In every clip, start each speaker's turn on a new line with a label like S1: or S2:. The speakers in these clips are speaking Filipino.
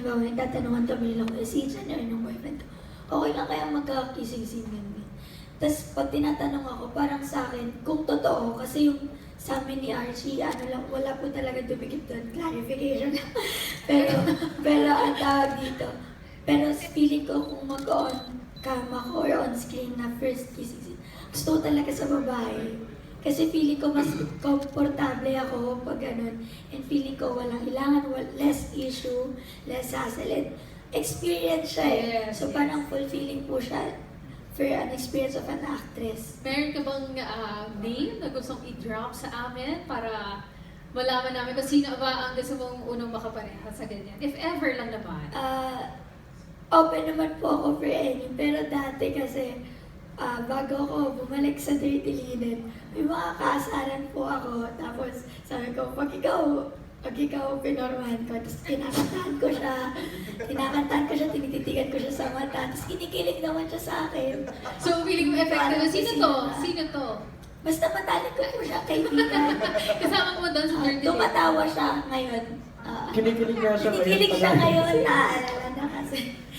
S1: halimbawa, tatanungan kami nila ko, si Jan na yung boyfriend ko, okay lang kaya magkakising-sing ganyan. Tapos pag tinatanong ako, parang sa akin, kung totoo, kasi yung sa amin ni Archie, ano lang, wala po talaga dumikit doon, clarification lang. pero ang tawag dito, pero feeling ko kung mag-on cam ako or on screen na first kissing, gusto ko talaga sa babae. Kasi feeling ko mas komportable ako pag ganun. And feeling ko walang ilangan, less issue, less hassle. And experience siya eh.
S2: Yes,
S1: So parang fulfilling po siya for an experience of an actress.
S2: Meron ka bang name na gustong i-drop sa amin para malaman namin kung sino ba ang gusto mong unang makapareha sa ganyan? If ever lang naman.
S1: Open naman po ako for any, pero dati kasi bago ako bumalik sa Dirty Linen, may mga kaasaran po ako. Tapos sabi ko, pag ikaw pinormahan ko, tapos kinakantahan ko siya, tinititigan ko siya sa mata, tapos kinikilig naman siya sa akin.
S2: So, feeling mo effective.
S1: Parang
S2: Sino to? Sino to?
S1: Basta matalik ko po siya, kaibigan.
S2: Kasama mo doon sa Dirty Linen?
S1: Tumatawa siya ngayon.
S3: Kinikilig nga siya ngayon.
S1: Kinikilig siya ngayon, naalala na kasi.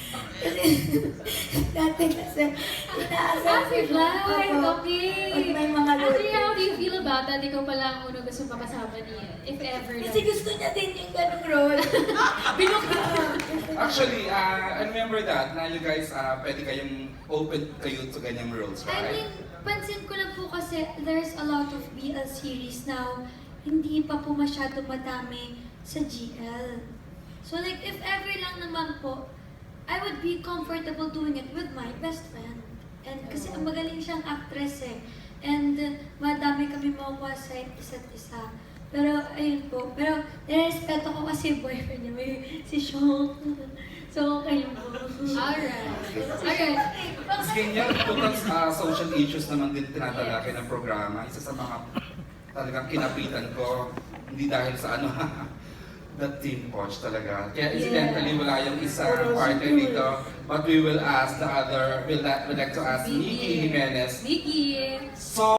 S1: Dati kasi, inaasal ko siya.
S2: Right,
S1: Opo.
S2: okay.
S1: Pag may mga
S2: Actually,
S1: luto.
S2: how do you feel about that? Ikaw pala ang unang gusto makasama niya. If ever lang.
S1: Kasi gusto niya din yung ganung role.
S4: Actually, I remember that na you guys, pwede kayong open kayo to ganyang roles,
S5: I
S4: right?
S5: mean, pansin ko lang po kasi there's a lot of BL series now, hindi pa po masyado madami sa GL. So like, if ever lang naman po, I would be comfortable doing it with my best friend. And kasi ang magaling siyang actress eh. And madami kami makuha sa isa't isa. Pero ayun po, pero nirespeto ko kasi yung boyfriend niya, may si Sean. So okay po.
S2: Alright. Alright.
S4: Mas ganyan, total social issues naman din tinatalakay ng programa. Isa sa mga talagang kinapitan ko, hindi dahil sa ano, the team coach talaga. Kaya incidentally, wala yung isang partner dito. But we will ask the other, we'd like to ask Nikki Jimenez.
S2: Nikki.
S4: So,